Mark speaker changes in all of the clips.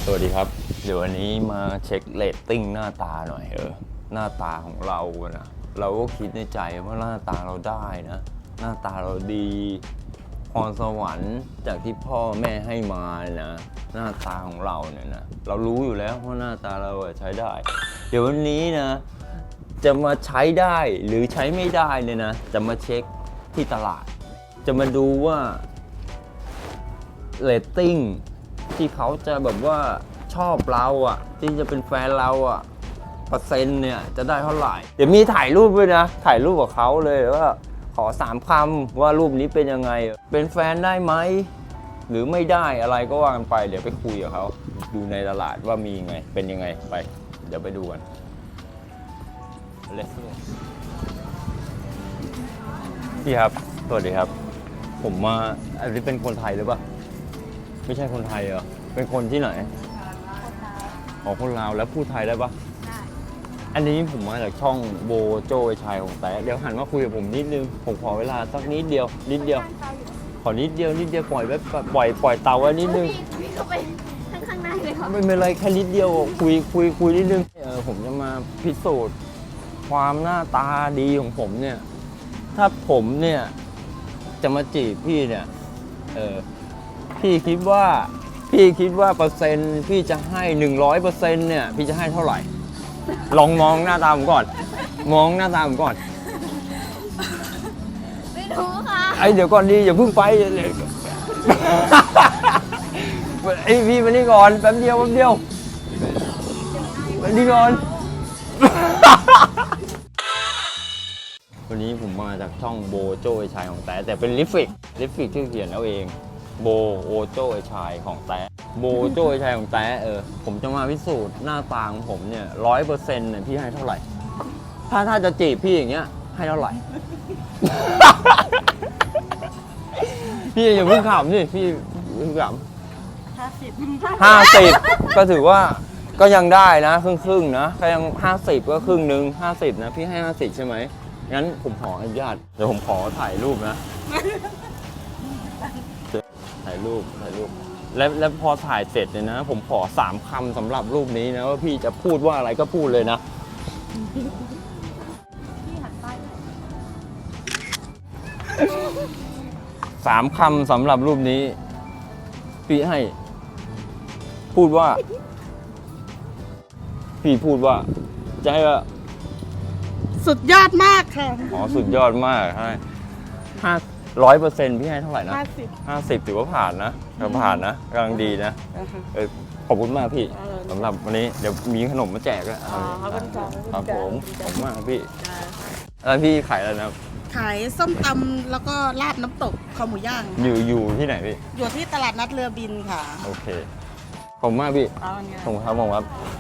Speaker 1: สวัสดีครับเดี๋ยววันนี้มาเช็คเรตติ้งหน้าตาหน่อยหน้าตาของเรานะเราก็คิดในใจว่าหน้าตาเราได้นะหน้าตาเราดีพรสวรรค์จากที่พ่อแม่ให้มานะหน้าตาของเราเนี่ยนะเรารู้อยู่แล้วว่าหน้าตาเราใช้ได้ เดี๋ยววันนี้นะจะมาใช้ได้หรือใช้ไม่ได้เนี่ยนะจะมาเช็คที่ตลาดจะมาดูว่าเรตติ้งที่เขาจะแบบว่าชอบเราที่จะเป็นแฟนเราเปอร์เซ็นต์เนี่ยจะได้เท่าไหร่เดี๋ยวมีถ่ายรูปด้วยนะถ่ายรูปกับเขาเลยว่าขอ3 คำว่ารูปนี้เป็นยังไงเป็นแฟนได้ไหมหรือไม่ได้อะไรก็ว่ากันไปเดี๋ยวไปคุยกับเขาดูในตลาดว่ามีไงเป็นยังไงไปเดี๋ยวไปดูกันพี่ครับสวัสดีครับผมมาอันนี้เป็นคนไทยหรือเปล่าไม่ใช่คนไทยเหรอเป็นคนที่ไหนอ๋อคนลาวแล้วพูดไทยได้ปะได้อันนี้ผมมาจากช่องโบโจ้ชายของแต่เดี๋ยวหันมาคุยกับผมนิดนึงผมขอเวลาสักนิดเดียวขอนิดเดียวปล่อยไว้ปล่อยเตาไว้นิดนึง
Speaker 2: พี่เข้าไปข้างในเลยค่ะ
Speaker 1: ไม่เป็นไรแค่นิดเดียวคุยนิดนึงผมจะมาพิสูจน์ความหน้าตาดีของผมเนี่ยถ้าผมเนี่ยจะมาจีบพี่เนี่ยพี่คิดว่าเปอร์เซ็นต์พี่จะให้ 100% เนี่ยพี่จะให้เท่าไหร่ลองมองหน้าตาผมก่อนมองหน้าตาผมก่อน
Speaker 2: ไม่รู้ค่ะ
Speaker 1: เดี๋ยวก่อนดีอย่าเพิ่งไปพี่มานี่ก่อนแป๊บเดียวมานี่ก่อนวันนี้ผมมาจากช่องโบโจ้ชายของแต่เป็นลิฟฟิกที่เขียนเอาเองโบโจ้ชายของแต่โบโจ้ชายของแต่ผมจะมาพิสูจน์หน้าตาของผมเนี่ย100%เนี่ยพี่ให้เท่าไหร่ถ้าจะจีบพี่อย่างเงี้ยให้เท่าไหร่ พี่อย่าเพิ่งขำสิพี่เพิ่งขำ50ก็ถือว่าก็ยังได้นะครึ่งนะก็ยัง50ก็ครึ่งนึง50นะพี่ให้50ใช่ไหมงั้นผมขออนุญาตเดี๋ยวผมขอถ่ายรูปนะถ่ายรูปแล้วพอถ่ายเสร็จเนี่ยนะผมขอ3 คำสำหรับรูปนี้นะว่าพี่จะพูดว่าอะไรก็พูดเลยนะ
Speaker 2: พี่หันไป
Speaker 1: 3 คำสำหรับรูปนี้พี่ให้พูดว่าจะให้ว่า
Speaker 3: สุดยอดมากค่ะ
Speaker 1: สุดยอดมากให้100%พี่ให้เท่าไหร่นะ50ถือว่าผ่านนะกำลังดีนะขอบคุณมากพี่สำหรับวันนี้เดี๋ยวมีขนมมาแจกด้วยครับผมมากพี่แล้วพี่ขายอะไรนะ
Speaker 3: ขายส้มตำแล้วก็ลาบน้ำตกคอหมูย่าง
Speaker 1: อยู่ที่ไหนพี่
Speaker 3: อยู่ที่ตลาดนัดเรือบินค่ะ
Speaker 1: โอเคขอบคุณมากพี่ผมครับ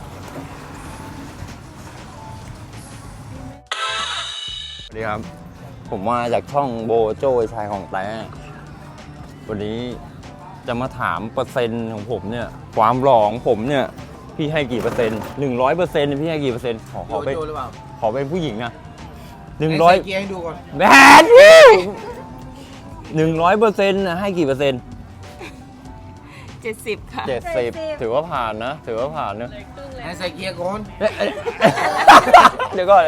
Speaker 1: สวัสดีครับผมมาจากช่องโบโจ้ชายของแต่วันนี้จะมาถามเปอร์เซ็นต์ของผมเนี่ยความหล่อของผมเนี่ยพี่ให้กี่เปอร์เซ็นต์100%พี่ให้กี่เปอร์เซ็นต์ขอเป็นผู้หญิงนะ100
Speaker 4: เกียร์ให้ดูก่อน
Speaker 1: แบดพี่100%ให้กี่เปอร์เซ็นต์
Speaker 2: 70ค่ะ
Speaker 1: 70ถือว่าผ่านนะ
Speaker 4: ให้ใส่เกียร์ก่อน
Speaker 1: เดี๋ยวก่อน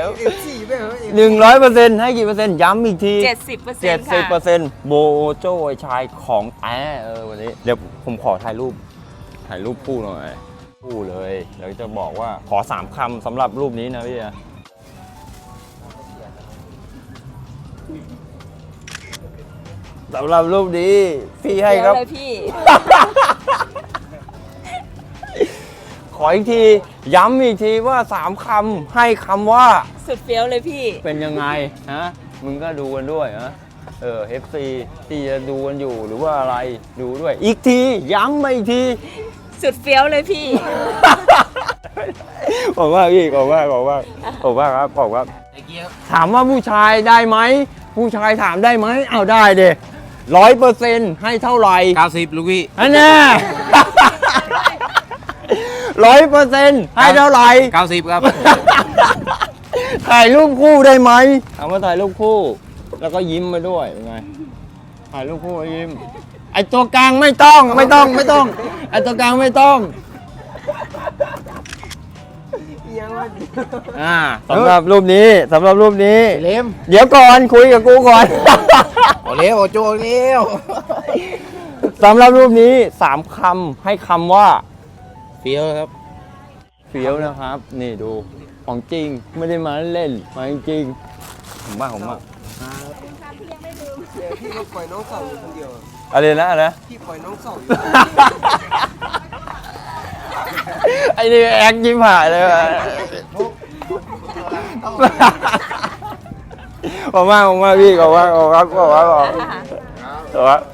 Speaker 1: 100%ให้กี่เปอร์เซ็นต์ย้ำอีกที70%โบโจ้ชายของวันนี้เดี๋ยวผมขอถ่ายรูปคู่หน่อยคู่เลยแล้วจะบอกว่าขอ3 คำสำหรับรูปนี้นะพี่สำหรับรูปนี้พี่ให้ครับ
Speaker 2: พี่
Speaker 1: ขออีกทีย้ำอีกทีว่า3 คำให้คำว่า
Speaker 2: สุดเฟี้ยวเลยพี่
Speaker 1: เป็นยังไงมึงก็ดูกันด้วยFC ที่จะดูกันอยู่หรือว่าอะไรดูด้วยอีกทีย้ำไปอีกที
Speaker 2: สุดเฟี้ยวเลยพี่
Speaker 1: ขอบคุณมากพี่ขอบคุณมากครับถามว่าผู้ชายได้ไหมผู้ชายถามได้ไหมเอาได้เด้100%ให้เท่าไหร่
Speaker 4: 90ลูกพี่
Speaker 1: อันนี้100%ให้เท่าไหร่
Speaker 4: 90ครับ
Speaker 1: ถ่ายรูปคู่ได้ไหมถามว่าถ่ายรูปคู่แล้วก็ยิ้มมาด้วยยังไงถ่ายรูปคู่ยิ้มไอตัวกลางไม่ต้องไอตัวกลางไม่ต้องสำหรับรูปนี้สำหรับรูปนี้
Speaker 4: เล็ม
Speaker 1: เดี๋ยวก่อนคุยกับกูก่อน
Speaker 4: โอเลี้ยวโอโจเลี้ยว
Speaker 1: สำหรับรูปนี้3คำให้คำว่า
Speaker 4: เฟี้ยวครับ
Speaker 1: เฟี้ยวนะครับ นี่ดูของจริงไม่ได้มาเล่นมาจริงผมบ้า
Speaker 5: พี่ก็ปล่อยน้องเสาอยู่คนเดียว
Speaker 1: อะไรนะอะไรนะ
Speaker 5: พี่ปล่อยน้องเสาอยู่
Speaker 1: ไอ้นี่แอคยิ้มหายเลยว่ะผมว่าพี่ขอบคุณครับ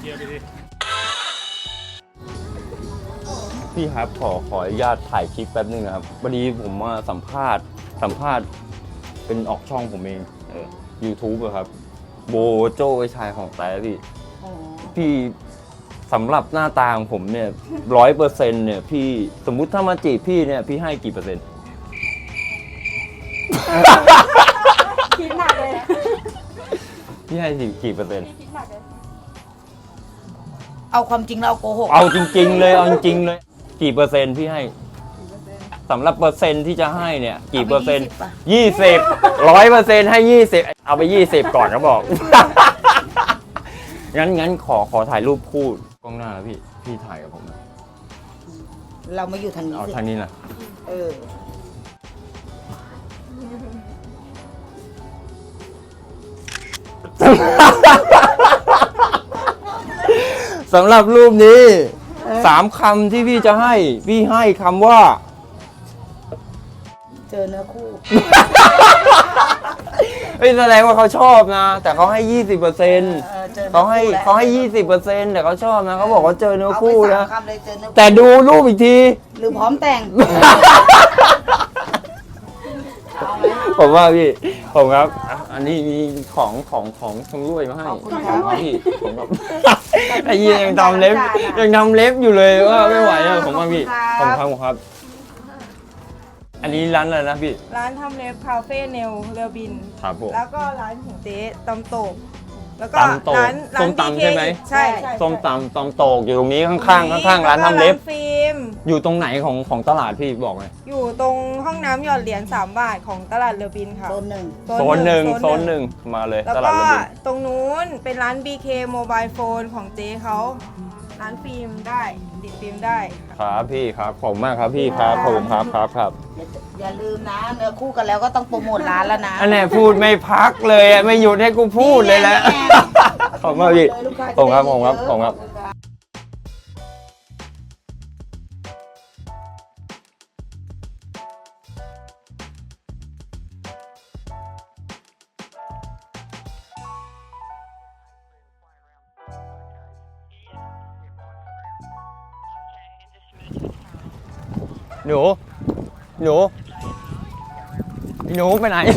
Speaker 1: พี่ครับขออนุญาตถ่ายคลิปแป๊บนึงนะครับพอดีผมมาสัมภาษณ์เป็นออกช่องผมเองYouTube อะครับโบโจ้ไอ้ชายของแต่พี่สำหรับหน้าตาของผมเนี่ย100%เนี่ยพี่สมมุติถ้ามาจีบพี่เนี่ยพี่ให้กี่เปอร์เซ็นต์
Speaker 2: คิดหนักเลย
Speaker 1: พี่ให้กี่เปอร์เซ็นต์
Speaker 3: เอาความจริงเราโกหก
Speaker 1: เอาจริงๆเลยเอาจริงๆเลยกี่เปอร์เซ็นต์พี่ให้สำหรับเปอร์เซ็นต์ที่จะให้เนี่ยกี่เปอร์เซ็นต์20 100%ให้20เอาไป20ก่อนก็บอก งั้นขอถ่ายรูปคู่กล้องหน้าแล้วพี่ถ่ายกับผมนะ
Speaker 3: เรามาอยู่ทางนี้
Speaker 1: เอา
Speaker 3: สิ
Speaker 1: ทางนี้นะ
Speaker 3: เออ
Speaker 1: สำหรับรูปนี้3คำที่พี่จะให้พี่ให้คำว่า
Speaker 3: เจอเนื้อคู่
Speaker 1: เฮ้ยแสดงว่าเขาชอบนะ แต่เขาให้ 20%
Speaker 3: เจอเนื้อ
Speaker 1: เขาให้
Speaker 3: แล้ว
Speaker 1: เขาให้ 20%แต่เขาชอบนะเขาบอกว่าเจอเนื้อ
Speaker 3: เอาไป
Speaker 1: คู่
Speaker 3: สา
Speaker 1: นะ
Speaker 3: มคำเลยเจอเนื้อคู่
Speaker 1: แต่ดูรูปอีกที
Speaker 3: หรือพร้อมแต่ง
Speaker 1: ผมว่าพี่ผมครับอันนี้มีของชำร่วยมาให้
Speaker 3: ขอบคุณครับ
Speaker 1: พี่ผมครับ ไอ้ยี่ยังทำเล็บอยู่เลยว่าไม่ไหวอะผมว่าพี่ผมครับ อันนี้ร้านอะไรนะพี่
Speaker 6: ร้านทำเล็บคาเฟ่เนลเรือบิน
Speaker 1: ครับผม
Speaker 6: แล้วก็ร้านของเจ๊ตำโตกแล้วก็
Speaker 1: ตำโตก
Speaker 6: ร้าน
Speaker 1: ส้มตำใช่ไหม
Speaker 6: ใช่ใช่
Speaker 1: ส้มตำโตกอยู่ตรงนี้ข้างร้านทำเล็บ
Speaker 6: แล้วก็ร้านฟิล์ม
Speaker 1: อยู่ตรงไหนของตลาดพี่บอกเลย
Speaker 6: อยู่ตรงห้องน้ำหยอดเหรียญ3 บาทของตลาดเรือบินค่ะ
Speaker 3: โซนหนึ่ง
Speaker 1: โซนหนึ่งมาเลย
Speaker 6: แล้ว
Speaker 1: ตลาด
Speaker 6: ก็
Speaker 1: เรือบิน
Speaker 6: ตรงนู้นเป็นร้าน BK Mobile Phone ของเจ๊เขาร้านฟิล์มได้ติดฟิล์มได้ค่ะ
Speaker 1: ครับพี่ครับขอบคุณมากครับพี่ครับผมครับ
Speaker 3: อย่าลืมนะ เนื้อคู่กันแล้วก็ต้องโปรโมทร้านแล้วนะ
Speaker 1: อันนี้พูดไม่พักเลยอะไม่หยุดให้กูพูดเลยแหละ
Speaker 3: นี่ไง
Speaker 1: ขอบคุณมากพี่
Speaker 3: ลูกค้า
Speaker 1: ผมครับ
Speaker 3: จะได้เยอะ
Speaker 1: ผมครับ หนูไปไหน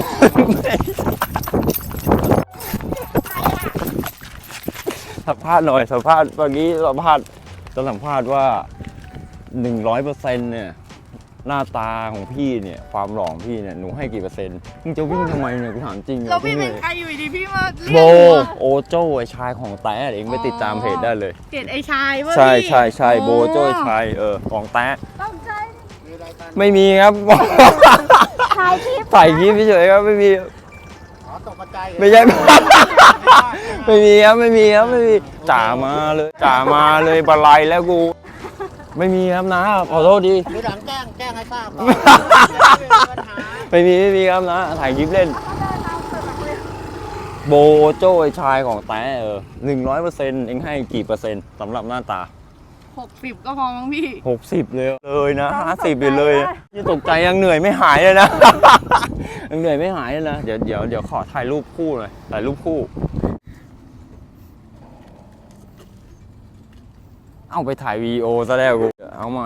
Speaker 1: สัมภาษณ์หน่อยสัมภาษณ์เมื่อกี้จะสัมภาษณ์ว่า 100% เนี่ยหน้าตาของพี่เนี่ยความหล่อของพี่เนี่ยหนูให้กี่เปอร์เซ็นต์มึงจะวิ่งทำไมเนี่ยกูถามจริง
Speaker 2: แล้วพี่เป็นใครอยู่ดีพี่มาเรียก
Speaker 1: โบ
Speaker 2: หนูอะ
Speaker 1: โอโจ้ไอชายของแต้เองไปติดตามเพจได้เลย
Speaker 2: เห็นไอ้ชายว่า
Speaker 1: ใช่
Speaker 2: พี่
Speaker 1: ใช่โบโจ้ไอ้ชายของแต้ไม่มีครับ
Speaker 2: ถ่ายคลิป
Speaker 1: ถ่ายคลิปเฉยๆครับไม่มีไม่ใช่ ไม่มีครับจ่ามาเลยบะไลแล้วกู ไม่มีครับนะขอโทษดี
Speaker 5: หรือหลังแจ้งให้ทราบ
Speaker 1: ไม่มีครับนะถ่ายคลิปเล่น โบโจ้ไอชายของแต้100%เองให้กี่เปอร์เซ็นต์สำหรับหน้าตา
Speaker 2: 60 ก็พอมั้งพี่
Speaker 1: 60เลยนะ50เลยยังตกใจยังเหนื่อยไม่หายเลยนะ ยังเหนื่อยไม่หายเลยนะเดี๋ยวขอถ่ายรูปคู่หน่อยถ่ายรูปคู่ เอาไปถ่ายวีดีโอซะแล้วกูเอาใหม่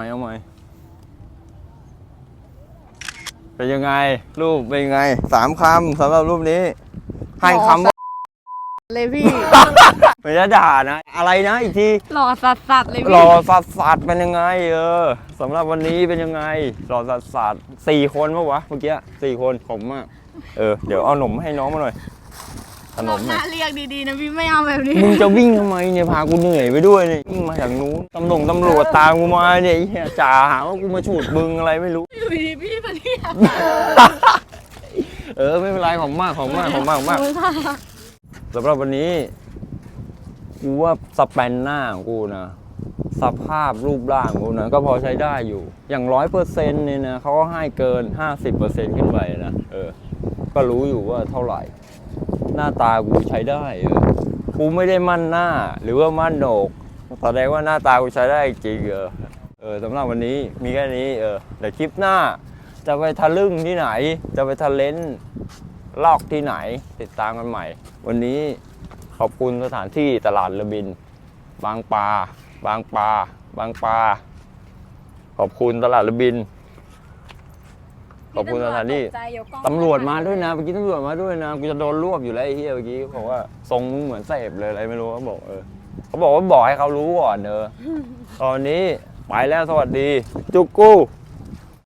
Speaker 1: เป็นยังไงรูปเป็นยังไง3 คำสำหรับรูปนี้ให้คำว่า
Speaker 2: เลยพี่
Speaker 1: ไม่ได้ด่านะอะไรนะอีกที
Speaker 2: หล่อสัสๆเลย
Speaker 1: ห
Speaker 2: พี่
Speaker 1: ล่อสัสเป็นยังไงสำหรับวันนี้เป็นยังไงหล่อสัส4 คนปะวะเมื่อกี้4 คนผมมากเดี๋ยวเอาหนมให้น้องมาหน่อยขนม
Speaker 2: ห
Speaker 1: เนี่
Speaker 2: น้าย เรียกดีๆนะพี่ไม่เอาแบบนี้
Speaker 1: มึงจะวิ่งทำไมเนี่ยพากูเหนื่อยไปด้วยเนี่ยวิ่งมาจากนู้นตำรวจตามกูมาเนี่ยไอ้เหี้ยจ่าหาว่ากูมาฉูดมึงอะไรไม่รู้
Speaker 2: อยู่ดีพี่มาเรียก
Speaker 1: ไม่เป็นไรของมากสำหรับวันนี้กูว่าสแปนหน้าของกูนะสภาพรูปร่างของกูนะก็พอใช้ได้อยู่อย่าง 100% เนี่ยนะเขาก็ให้เกิน 50% ขึ้นไปนะก็รู้อยู่ว่าเท่าไหร่หน้าตากูใช้ได้กูไม่ได้มั่นหน้าหรือว่ามั่นโหนกแสดงว่าหน้าตากูใช้ได้จริงสำหรับวันนี้มีแค่นี้เดี๋ยวคลิปหน้าจะไปทะลึ่งที่ไหนจะไปทะเลนลอกที่ไหนติดตามกันใหม่วันนี้ขอบคุณสถานที่ตลาดระบินบางปลาขอบคุณตลาดระบินขอบคุณสถานที่ตำรวจมาด้วยนะเมื่อกี้ตำรวจมาด้วยนะกูจะโดนรวบอยู่แล้วไอ้เหี้ยเมื่อกี้บอกว่าทรงมึงเหมือนเสพเลยอะไรไม่รู้เขาบอกเขาบอกว่าบอกให้เขารู้ก่อนตอนนี้ไปแล้วสวัสดีจุกกู้